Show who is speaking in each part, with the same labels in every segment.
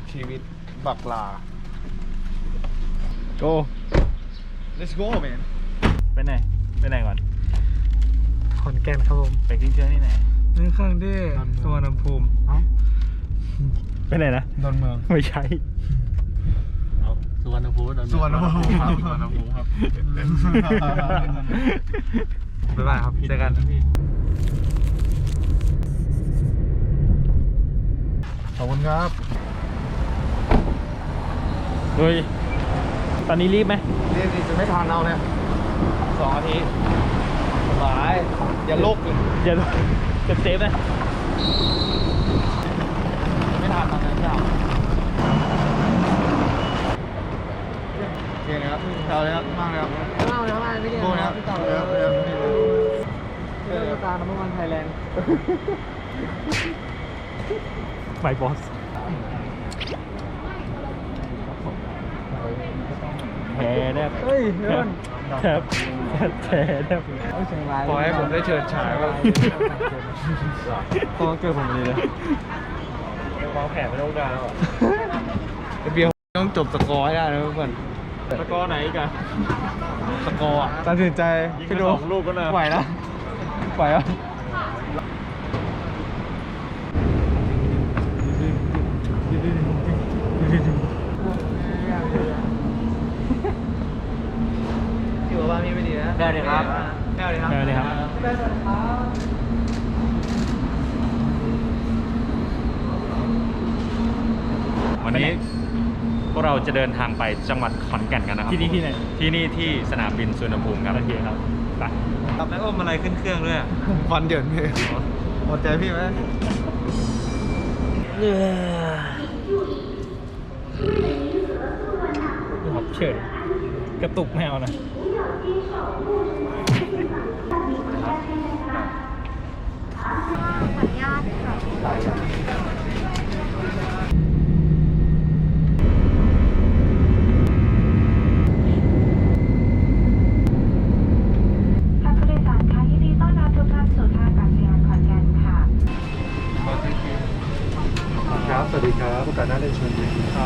Speaker 1: ชีวิตบักลา
Speaker 2: go
Speaker 1: let's go man
Speaker 2: ไปไหนไปไหนก่อน
Speaker 3: ขอนแก่นครับผม
Speaker 2: ไปขึ้นเครื่องที่ไหน
Speaker 3: นี่เครื่องที่สุวรรณภูมิ
Speaker 2: ไปไหนนะ
Speaker 1: ดอนเมือง
Speaker 2: ไม่ใช่
Speaker 4: สุวรรณภูมิ
Speaker 1: สุวรรณภูมิครับสุวรรณภูมิครับ
Speaker 3: บ๊ายบายครับเจอกัน
Speaker 1: ขอบคุณครับ
Speaker 2: เฮ้ยตอนนี้รีบไหม
Speaker 1: นี่จะไม่ทานเอาเนี่ย2 นาทีสบายอย่าโลกเลย
Speaker 2: อย่าจะเซฟนะ
Speaker 1: ไม่ทานเอาเนี่ยไม่เอาโอเคนะครับเอาเลยครับมากเลยครับ
Speaker 3: ข้างล่างเลยข้างล่างไม่ได้
Speaker 1: โบนะครับ
Speaker 3: พี่ต่อ
Speaker 1: เออ
Speaker 3: เรื่องตาน้ำมันไทยแลนด์
Speaker 2: ไมบอสแพ้แนบ
Speaker 3: เฮ้ยเดี๋ยวก่อน
Speaker 2: แทบแพ้แนบ
Speaker 3: เอาเชียงราย
Speaker 1: ขอให้ผมได้เชิญฉายว่า
Speaker 3: ตัวเกิดผมเลยนะ
Speaker 2: วางแผนไม่ต้องการแล้ว
Speaker 1: เบียร์ต้องจบสกอร์ให้ได้นะทุกคน
Speaker 2: สกอร์ไหนอีกัน
Speaker 1: สกอร์อ่ะ
Speaker 3: ตัดสินใจ
Speaker 2: ยิง
Speaker 3: พี่
Speaker 2: ไป
Speaker 3: ดู
Speaker 2: 2 ลูกก็นะ
Speaker 3: ไหวนะไหวอ่ะ
Speaker 1: ที่บอกว่ามีไม่ดีนะ
Speaker 3: ได้เลยครับ
Speaker 1: ได้เลยครับ
Speaker 2: แพ้เลยครับ
Speaker 4: วันนี้พวกเราจะเดินทางไปจังหวัดขอนแก่นกันนะครับ
Speaker 2: ที่นี่ที่ไหน
Speaker 4: ที่นี่ที่สนามบินสุวรรณภูมิครับ
Speaker 2: โอเคครับไป
Speaker 4: แล้วอมอะไรขึ้นเครื่องด้วย
Speaker 1: ควันเดือดพี่หมดใจพี่ไหม
Speaker 2: หอบเฉยกระตุกแมวนะ
Speaker 5: ขออนุญาตค่ะท่านผู้โดยสารคะยินดีต้อนรับทุกท่านสู่ท่าอากาศยานขอนแก่นค่ะ
Speaker 1: ครับสวัสดีครับโอกาสหน้าได้เชิญครับ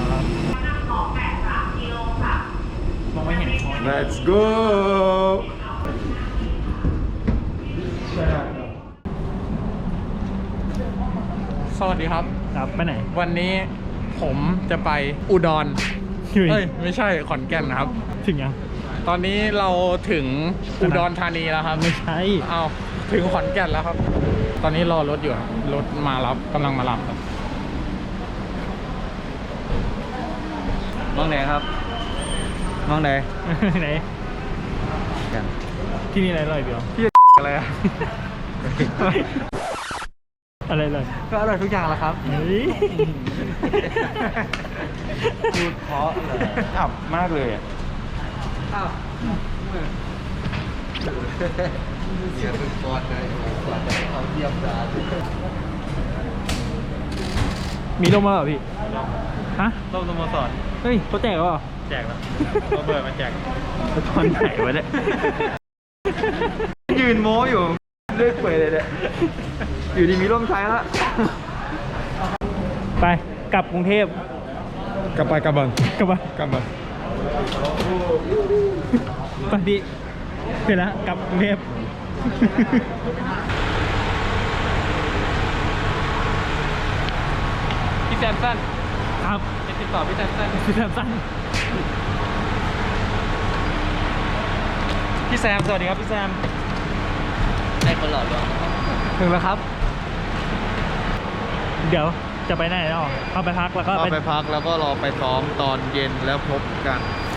Speaker 2: มองไม่เห็น
Speaker 1: Let's go
Speaker 4: สวัสดีครับ
Speaker 2: ครับไปไหน
Speaker 4: วันนี้ผมจะไปอุดร
Speaker 2: เฮ้ย
Speaker 4: เอ้ยไม่ใช่ขอนแก่นนะครับ
Speaker 2: ถึงยัง
Speaker 4: ตอนนี้เราถึงอุดรธานีแล้วครับ
Speaker 2: ไม่ใช่
Speaker 4: เอาถึงขอนแก่นแล้วครับ ตอนนี้รอรถอยู่ครับรถมารับกำลังมารับครับ
Speaker 1: มองไหนครับมองไหน
Speaker 2: ไหนที่นี่อะไรอร่อยเดียว
Speaker 1: อะไรอะ
Speaker 2: อะไรเลย
Speaker 3: ก็อร่อยทุกอย่างแหละครับ
Speaker 2: เฮ้ย
Speaker 1: พูดเพราะเลยอับมากเลยอ่ะ
Speaker 3: อ้าว
Speaker 1: เนี่ยเป็นกอดเลยกอดให้เขาเยี่ยมดา
Speaker 2: มีร่มแล้วเหรอพี่ฮะ
Speaker 4: ร่มสโมสร
Speaker 2: เฮ้ยเขาแจกแล้วเหรอ
Speaker 4: แจกแล้วเราเบิร์ดมาแจก
Speaker 2: ตอนไหนวะเนี่ย
Speaker 3: ยืนโม้อยู่เลือกเปื่อยเลยเนี่ยอยู่ดีมีร่มใช้แล้ว
Speaker 2: ไปกลับกรุงเทพ
Speaker 1: กลับไปกลับบัง
Speaker 2: กลับมาก
Speaker 1: ลับมา
Speaker 2: ไปพี่เสร็จแล้วกลับกรุงเทพ
Speaker 4: พี่แซมสัน
Speaker 2: ครับ
Speaker 4: จะติดต่อพี่แซมสัน
Speaker 2: พี่แซมสั้น
Speaker 4: พี่แซมสวัสดีครับพี่แซม
Speaker 3: ถึงแล้วครับ
Speaker 2: เดี๋ยวจะไปไหนเนาะเข้าไปพักแล้วก็
Speaker 1: เราไปพักแล้วก็รอไปซ้อมตอนเย็นแล้วพบกัน